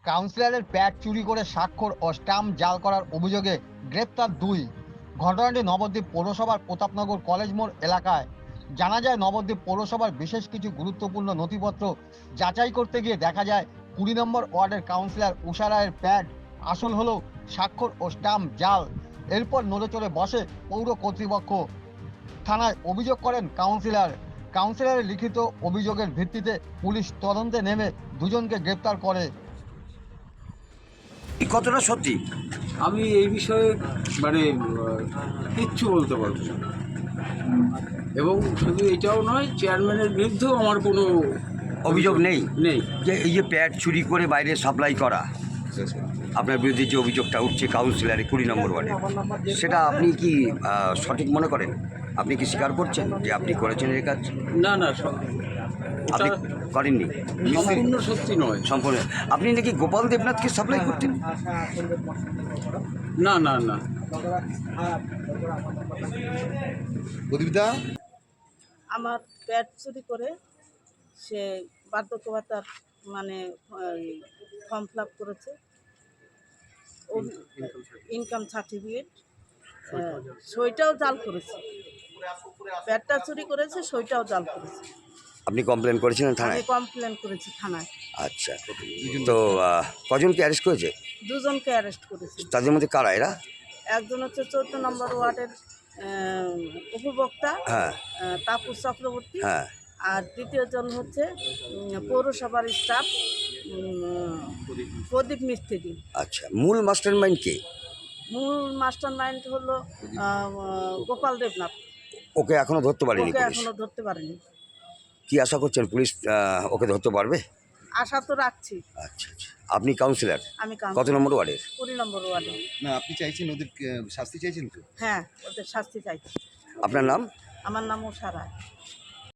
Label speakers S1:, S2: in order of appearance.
S1: কাউন্সিলরের প্যাড চুরি করে স্বাক্ষর ও স্টাম্প জাল করার অভিযোগে গ্রেপ্তার 2। ঘটনাটি নবদ্বীপ পৌরসভার প্রতাপনগর কলেজ মোড় এলাকায়। জানা যায়, নবদ্বীপ পৌরসভার বিশেষ কিছু গুরুত্বপূর্ণ নথিপত্র যাচাই করতে গিয়ে দেখা যায় 20 নম্বর ওয়ার্ডের কাউন্সিলর উষা রায়ের প্যাড আসল হলেও স্বাক্ষর ও স্টাম্প জাল। এরপর নড়েচড়ে বসে পৌর কর্তৃপক্ষ। থানায় অভিযোগ করেন কাউন্সিলরের লিখিত অভিযোগের ভিত্তিতে পুলিশ তদন্তে নেমে দুজনকে গ্রেপ্তার করে।
S2: কতটা সত্যি?
S3: আমি এই বিষয়ে মানে কিচ্ছু বলতে পারবো না। এবং শুধু এটাও নয়, চেয়ারম্যানের বিরুদ্ধেও আমার কোনো
S2: অভিযোগ নেই
S3: নেই।
S2: যে এই যে প্যাড চুরি করে বাইরে সাপ্লাই করা, আপনার বিরুদ্ধে যে অভিযোগটা উঠছে কাউন্সিলরের 20 নম্বর ওয়ার্ডে, সেটা আপনি কি সঠিক মনে করেন? আপনি কি স্বীকার করছেন যে আপনি করেছেন এই কাজ?
S3: না না,
S2: আপনি করেননি?
S3: সম্পূর্ণ সত্যি নয়।
S2: সম্পূর্ণ। আপনি নাকি গোপাল দেবনাথকে সাপ্লাই করতেন?
S3: না না না।
S4: প্রদীপদা,
S5: আমার প্যাড চুরি করে সে বার্ধক্য ভাতার মানে ফর্ম ফিল আপ করেছে, ইনকাম সার্টিফিকেট, সইটাও জাল করেছে। প্যাডটা চুরি করেছে, সইটাও জাল করেছে।
S2: আপনি কমপ্লেন করেছিলেন
S5: আমি
S2: থানায়?
S5: কমপ্লেন করেছি থানায়।
S2: আচ্ছা, তো কজনকে অ্যারেস্ট করেছে?
S5: দুজনকে অ্যারেস্ট করেছি।
S2: তাদের মধ্যে কারা এরা?
S5: একজন হচ্ছে 14 নম্বর ওয়ার্ডের উপভোক্তা
S2: হ্যাঁ
S5: তাপস চক্রবর্তী,
S2: হ্যাঁ।
S5: আর দ্বিতীয়জন হচ্ছে পৌরসভার স্টাফ প্রদীপ মিস্ত্রি।
S2: আচ্ছা, মূল মাস্টার মাইন্ড কে?
S5: মূল মাস্টার মাইন্ড হলো গোপাল দেবনাথ।
S2: ওকে এখনো ধরতে পারেনি
S5: ওকে
S2: পুলিশ?
S5: এখনো ধরতে পারেনি।
S2: কি আশা করছেন পুলিশ ওকে ধরতে পারবে?
S5: আশা তো রাখছি।
S2: আচ্ছা আচ্ছা। আপনি কাউন্সিলর
S5: আমি
S2: কত নম্বর ওয়ার্ডের?
S5: 20 নম্বর ওয়ার্ডে।
S4: না আপনি চাইছেন ওদের শাস্তি চাইছেন তো?
S5: হ্যাঁ, ওদের শাস্তি চাইছি।
S2: আপনার নাম?
S5: আমার নাম উষা রায়।